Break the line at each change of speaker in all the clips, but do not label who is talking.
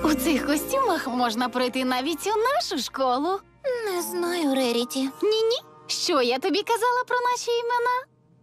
У цих костюмах можна пройти навіть у нашу школу.
Не знаю, Реріті.
Ні-ні. Що я тобі казала про наші імена?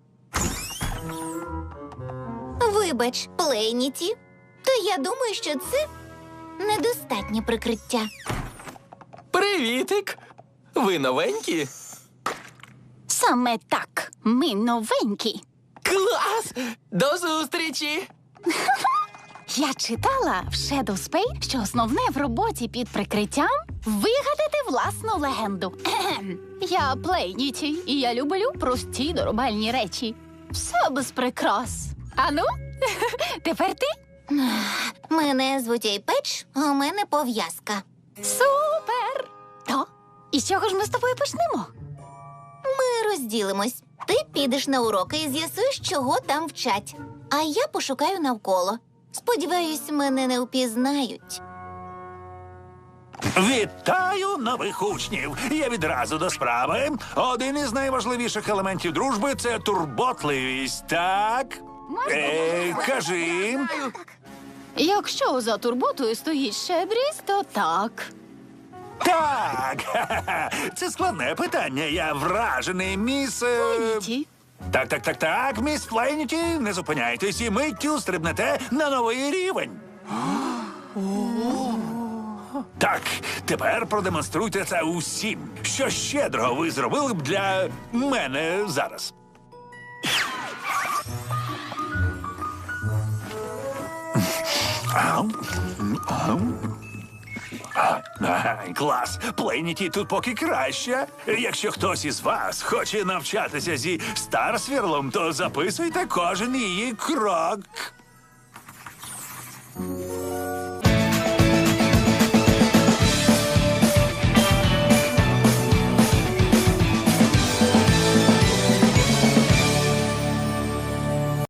Вибач, Плейніті. То я думаю, що це недостатнє прикриття.
Привітик! Ви новенькі?
Саме так. Ми новенькі.
Клас! До зустрічі!
Я читала в Shadow Spade, що основне в роботі під прикриттям – вигадати власну легенду. Я Плейніті, і я люблю прості доробальні речі. Все без прикрас. Ану, тепер ти?
Мене звуть Ейпеч, а у мене пов'язка.
Супер! То, і з чого ж ми з тобою почнемо?
Ми розділимось. Ти підеш на уроки і з'ясуєш, чого там вчать. А я пошукаю навколо. Сподіваюсь, мене не впізнають.
Вітаю нових учнів! Я відразу до справи. Один із найважливіших елементів дружби – це турботливість, так? Кажи.
Якщо за турботою стоїть щедрість, то так.
Так! Ха-ха-ха. Це складне питання. Я вражений, міс...
Плейніті.
Так, міс Плейніті, не зупиняйтесь і миттю стрибнете на новий рівень. Так, тепер продемонструйте це усім. Що щедрого ви зробили б для мене зараз? Клас! Плейніті тут поки краще. Якщо хтось із вас хоче навчатися зі Старсвірлом, то записуйте кожен її крок.